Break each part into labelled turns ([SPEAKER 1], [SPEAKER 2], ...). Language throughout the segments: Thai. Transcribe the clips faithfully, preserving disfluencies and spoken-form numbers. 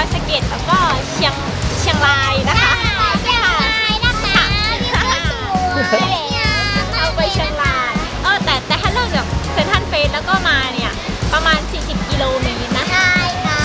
[SPEAKER 1] อยสะเก็ดแล้วก็เชียงเชียงรายนะคะ
[SPEAKER 2] เชียงรายนะคะ
[SPEAKER 1] เอาไปเชียงรายเออแต่แต่ถ้าเลิกจากเซนทรัลเฟสแล้วก็มาเนี่ยประมาณสี่สิบกิโลเมตรนะ
[SPEAKER 2] ใช่ค่ะ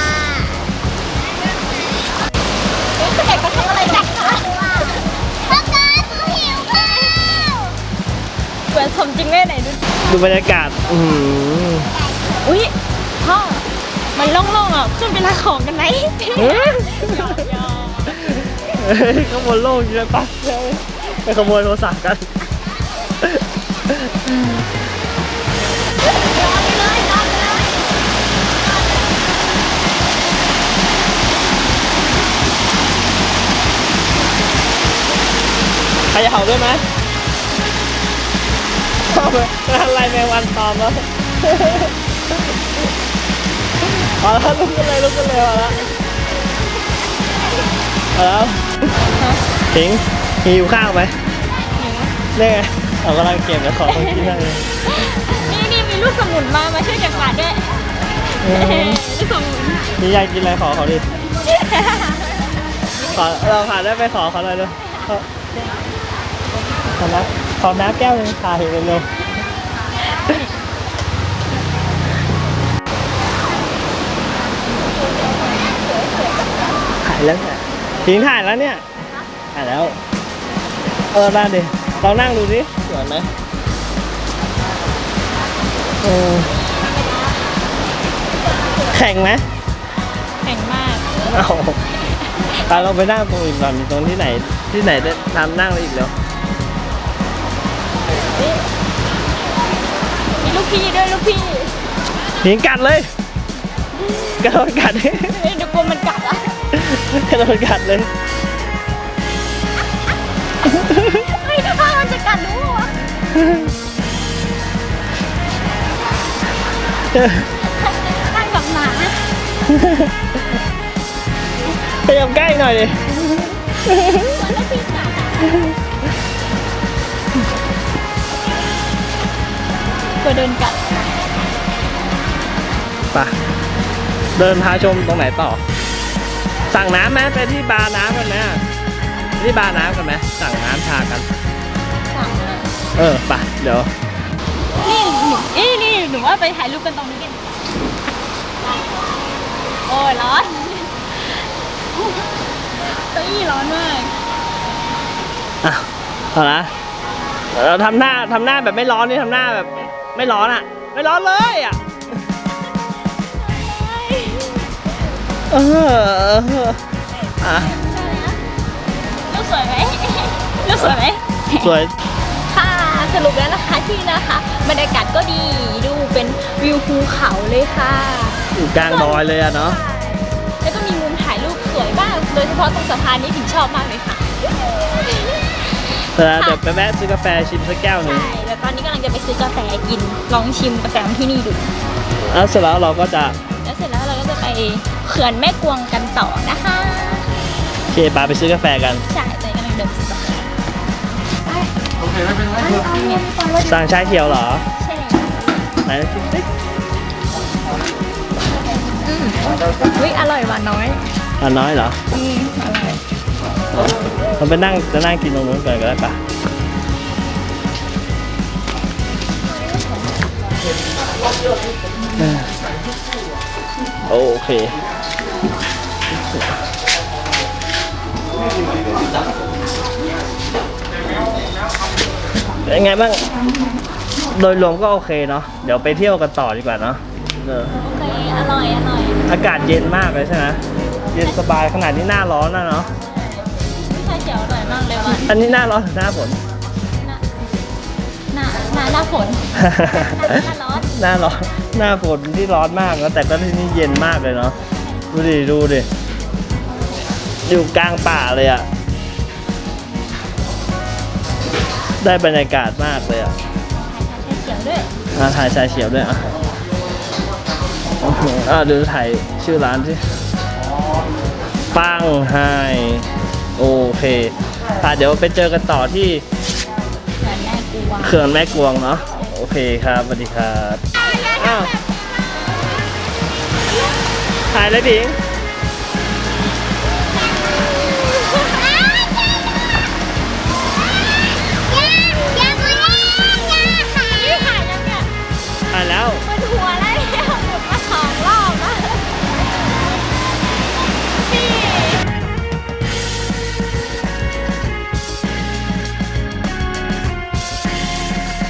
[SPEAKER 1] เด็กๆเขาทำอะไรกันคะ
[SPEAKER 2] พ่อการหนูหิวข้าว
[SPEAKER 1] เหมือนสมจริงแม่ไหนดู
[SPEAKER 3] ดูบรรยากาศอืม
[SPEAKER 1] อุ้ยพ่อมันโล่งๆอ่ะขึ้นไปรับของกันไหมหยอกหยอก
[SPEAKER 3] เฮ้ยขโมยโลกอยู่เลยปะไปขโมยโทรศัพท์กันใครจะเห่าด้วยไหมเอาไปอะไรแมงวันตอมแล้วพอแล้วลุกกันเลยลุกกันเลยพอแล้วพอแล้วถิงหิวข้าวไหมนี่ไงเรากำลังเก็บแล้วขอต้องกินได้เลย
[SPEAKER 1] นี่นี่มีลูกสมุนมามาช่วยเก็บกวาดด้วยลูกสมุน
[SPEAKER 3] นี่ยายกินอะไรขอเขาดิขอเราผ่านได้ไปขอเขาเลยเลยขอน้ำขอน้ำแก้วนึงถ่ายเร็วถ่ายแล้วเนี่ยทิ้งถ่ายแล้วเนี่ยถ่ายแล้วเออได้ดิเรานั่งดูดิสวยไหมเออแข่งไหม
[SPEAKER 1] แข็งมาก
[SPEAKER 3] เอาตาเราไปนั่งตรงอื่นก่อนตรงที่ไหนที่ไหนได้ทำนั่งอีกแล้ว
[SPEAKER 1] มีลูกพี่ด้วยลูกพี่
[SPEAKER 3] หิงกัดเลยกระโดดกัด
[SPEAKER 1] เฮ้ยเดี๋ยวกลัวมันกัดอ่ะ
[SPEAKER 3] กระโดดกัดเลย
[SPEAKER 1] เฮ้ยถ้ามันจะกัดหนูวะนั่งกับหมา
[SPEAKER 3] ไปยำใกล้หน่อยดิ
[SPEAKER 1] มันไม่ปีกัดอ่ะกลัวโดนกัด
[SPEAKER 3] ไปเดินพาชมตรงไหนต่อสั่งน้ำไหมไปที่บาร์น้ำกันไหมไปที่บาร์น้ำกันไหมสั่งน้ำชากัน
[SPEAKER 1] สั่งเลย
[SPEAKER 3] เออไปเดี๋ยว
[SPEAKER 1] นี่หนูเอ้ยนี่หนูว่าไปถ่ายรูปกันตรงนี้กันโอ้ยร้อนเก้าอี้ร้อนมาก
[SPEAKER 3] อ่ะเอาละเราทำหน้าทำหน้าแบบไม่ร้อนนี่ทำหน้าแบบไม่ร้อนอ่ะไม่ร้อนเลยอ่ะเอออ่ะ
[SPEAKER 1] รูปสวยไหมรูปสวยไหม
[SPEAKER 3] สวย
[SPEAKER 1] ค่ะสรุปแล้วนะคะที่นะคะบรรยากาศก็ดีดูเป็นวิวภูเขาเลยค่ะ
[SPEAKER 3] อยู่กลางดอยเลยอะเนาะ
[SPEAKER 1] แล้วก็มีมุมถ่ายรูปสวยมากโดยเฉพาะตรงสะพานนี้ถึงชอบมากเลยค่ะ
[SPEAKER 3] แต่เดี๋ยวไปแวะซื้อกาแฟชิมสักแก้วหนึ่ง
[SPEAKER 1] ใช่แล้วตอนนี้กำลังจะไปซื้อกาแฟกินลองชิมกาแฟของที่นี่ดู
[SPEAKER 3] แล้วเสร็จแล้วเราก็จะ
[SPEAKER 1] แล้วเสร็จแล้วเราก็จะไปเขื่อนแม่กวงกันต่อนะคะ
[SPEAKER 3] โอเคปาไปซื้อกาแฟกัน
[SPEAKER 1] ใช่ตอนนี้กำลังเดินไปซื้อกาแฟ
[SPEAKER 3] สั่งชาเขียวเหรอ
[SPEAKER 1] ใช่แล้ว
[SPEAKER 3] ไหนชิมสิ
[SPEAKER 1] อืมอุ้ยอร่อยหวานน้อย
[SPEAKER 3] อ่ะน้อยเหรอ
[SPEAKER 1] อืมอร่อย
[SPEAKER 3] เราไปนั่งจะนั่งกินตรงนู้นก่อนก็ได้ปะโอเคเป็นไงบ้างโดยรวมก็โอเคเนาะเดี๋ยวไปเที่ยวกันต่อดีกว่าเนาะเออ
[SPEAKER 1] โอเคอร่อยอร่อย
[SPEAKER 3] อากาศเย็นมากเลยใช่ไหมเย็นสบายขนาดนี้หน้าร้อนนะเนาะ
[SPEAKER 1] ชาเขียวอร่อยมากเลยวัน
[SPEAKER 3] อันนี้หน้าร้อนหรือหน้าฝน
[SPEAKER 1] หน้าหน้าหน้าหน้าฝนหน้าร้อน
[SPEAKER 3] หน้าร้อนหน้าฝนที่ร้อนมากนะแต่ก็ที่นี่เย็นมากเลยเนาะดูดิดูดิอยู่กลางป่าเลยอะได้บรรยากาศมากเลยอะ
[SPEAKER 1] ชาเขียวด้วย
[SPEAKER 3] อ่ะถ่ายชายเขียวด้วยอ่ะโอ้โหอ่ะดูถ่ายชื่อร้านสิปังไฮโอเคอ่ะเดี๋ยวไปเจอกันต่อที่
[SPEAKER 1] เขื่อนแม่กวง
[SPEAKER 3] เขื่อนแม่กวงเนาะโอเคครับสวัสดีครับอ้าวถ่ายเลยดิง